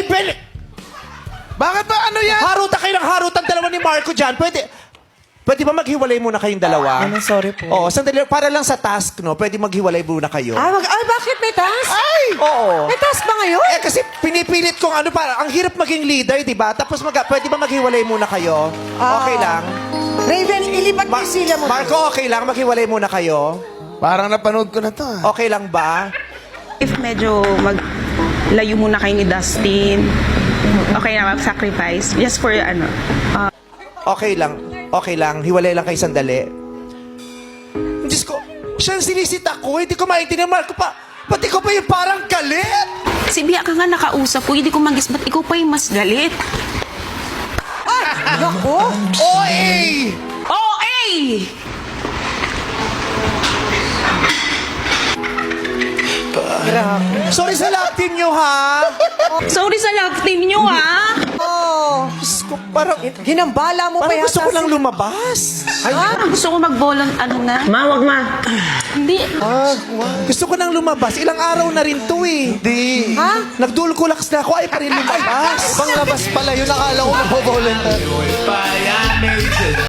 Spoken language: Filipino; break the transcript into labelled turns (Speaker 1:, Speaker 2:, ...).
Speaker 1: Bakit ba ano yan?
Speaker 2: Harutan kayo ng harutan dalawa ni Marco dyan. Pwede ba maghiwalay muna kayong dalawa?
Speaker 3: Sorry po.
Speaker 2: Oo, sandali. Para lang sa task, no? Pwede maghiwalay muna kayo.
Speaker 3: Ay, bakit may task?
Speaker 2: Ay! Oo.
Speaker 3: May task ba ngayon?
Speaker 2: Eh, kasi pinipilit kong ano, para, ang hirap maging leader, di ba? Tapos pwede ba maghiwalay muna kayo? Okay lang.
Speaker 3: Raven, ilipat mo sila mo.
Speaker 2: Marco, okay lang? Maghiwalay muna kayo?
Speaker 1: Parang napanood ko na to.
Speaker 2: Okay lang ba?
Speaker 4: If medyo maglayo muna kayo ni Dustin, okay na mag-sacrifice. Just for ano.
Speaker 2: Okay lang. Okay lang. Hiwalay lang kayo sandali. Diyos ko, siya ang sinisita ko. Hindi ko maintindihan, Marco pa. Pati ko pa yung parang galit.
Speaker 4: Si Bia ka nga nakausap ko, hindi ko magis, ba't ikaw pa yung mas galit?
Speaker 3: Naku!
Speaker 2: OA!
Speaker 4: Oh, eh!
Speaker 2: Sorry sa love team nyo, ha?
Speaker 4: Sorry sa love team nyo, ha?
Speaker 3: Oh,
Speaker 2: Diyos ko, parang
Speaker 3: ginambala mo pa
Speaker 2: gusto ko
Speaker 3: yata
Speaker 2: lang lumabas.
Speaker 4: Gusto ko mag-volun, ano na?
Speaker 5: Ma, wag ma.
Speaker 4: Hindi.
Speaker 2: Gusto ko nang lumabas. Ilang araw na rin to eh.
Speaker 1: Di.
Speaker 3: Ha?
Speaker 2: Nagdulkulax na ako ay pa rin lumabas.
Speaker 1: Panglabas pala yun. Nakala ko mag-volunteer.